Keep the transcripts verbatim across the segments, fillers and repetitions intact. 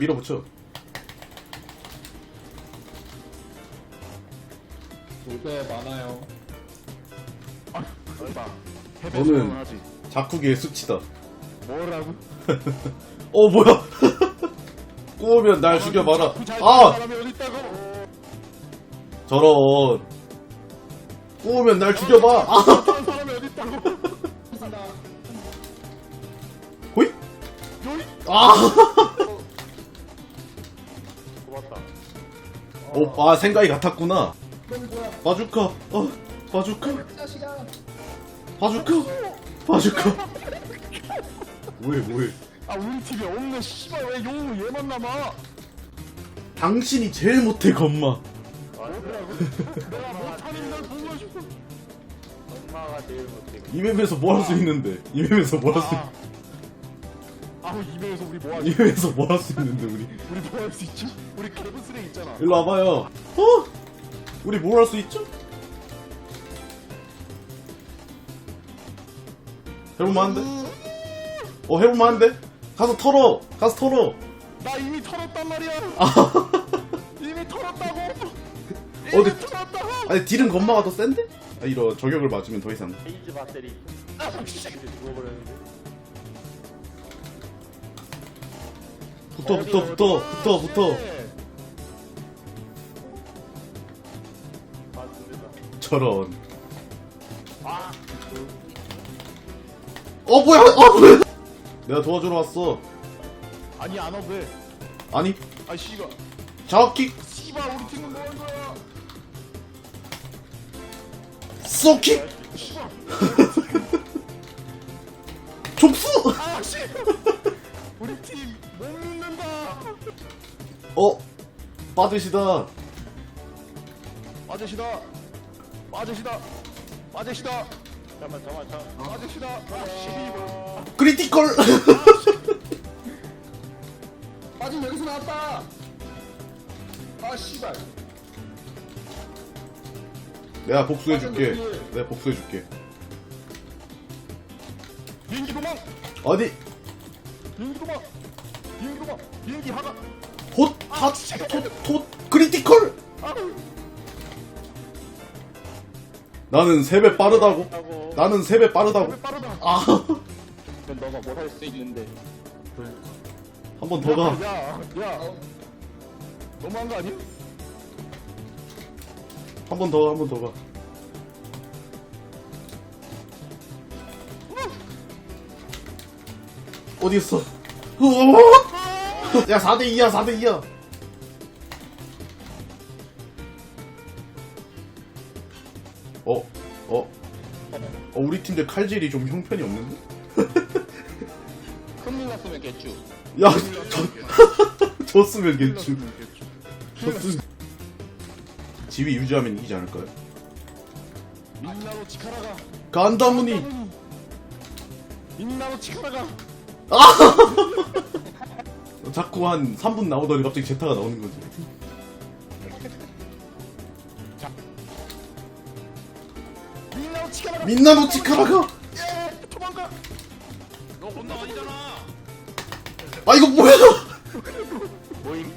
밀어붙여. 돌배 많아요. 아, 얼마? 너는- 하지. 자쿠기의 수치다. 뭐라고? 어 뭐야? 꼬우면 날 죽여봐라. 아 사람이 어디 있다고? 저런. 꼬우면 날 죽여봐. 아 그런 사람이 어디 있다고? 호이? 요이? 아. 고맙다. 어, 아 생각이 같았구나. 바주카. 어 바주카. 바주카. 바주카. 뭐해 뭐해. 아 우리 팀에 없네. 씨발 왜 용 얘만 남아? 당신이 제일 못해 건마. 뭐라고? 내가 못하는 걸 보고 싶어. 엄마가 제일 못해. 이 맵에서 뭐 할 수 있는데? 이 맵에서 뭐 할 수 아, 아우 이 맵에서 우리 뭐 이 하지? 맵에서 뭐 할 수 있는데 우리? 우리 뭐 할 수 있지? 우리 개브스레 있잖아. 일로 와봐요. 어? 우리 뭘 할 수 있죠? 해볼만한데? 어 해볼만한데? 가서 털어! 가서 털어! 나 이미 털었단 말이야. 이미 털었다고. 이미 어디- 털었다고. 아니 딜은 건마가 더 센데? 아 이런 저격을 맞으면 더 이상 페이지 배터리 아, 씨. 이제 죽어버렸는데. 붙어 붙어 붙어 붙어 붙어 맞습니다. 저런 아, 어 뭐야 어 뭐야 내가 도와주러 왔어 아니 안 와. 왜? 아니 아 씨발. 자킥 씨발 우리 팀은 뭐 한 거야? 쏘킥 씨발. 족수 아 씨. 우리 팀 못 믿는다. 어 빠지시다 아저씨다. 아저씨다. 아저씨다. 잠깐만, 잠깐만, 잠깐만. 아저씨다. 아 씨발. 크리티컬 아 지금 여기서 나왔다. 아 씨발. 내가 복수해줄게 내가 복수해줄게 비행기 도망. 어디 비행기 도망. 비행기 도망. 비행기 하가. 헛핫톳톳 크리티컬 아. 나는 세 배 빠르다고 하고 나는 세 배 빠르다고 왜 빠르다. 아 그럼 너가 뭘 할 수 있는데. 한 번 더 가. 야, 야. 너무한 거 아니야? 한 번 더, 한 번 더 가. 어디 있어? 야, 사 대 이야, 사 대 이야. 어, 어. 어, 우리 팀들 칼질이 좀 형편이 없는데? 큰일 났으면 개쭈. 야, 저, 졌으면 괜찮. 졌으면. 지위 유지하면 이기지 않을까요? 민나로 치카라가. 간다무니. 민나로 치카라가. 자꾸 한 삼 분 나오더니 갑자기 제타가 나오는 거지. 민나로 치카라가. 민나노 치카라가! 예, 도망가. 너 혼나 아니잖아. 아, 이거 뭐야! 모임.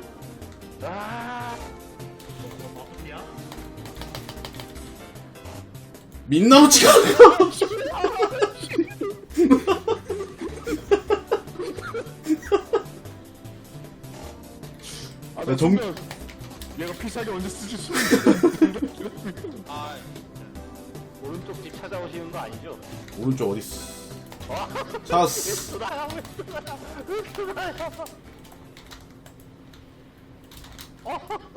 아. 야? 민나노 치카라가! 아, 야, 정- 정말 얘가 필살기 언제 쓰지? 수는 아. 오른쪽 집 찾아오시는 거 아니죠? 오른쪽 어딨어? 찾았어. 돌아야, 왜 돌아야? 왜 돌아야?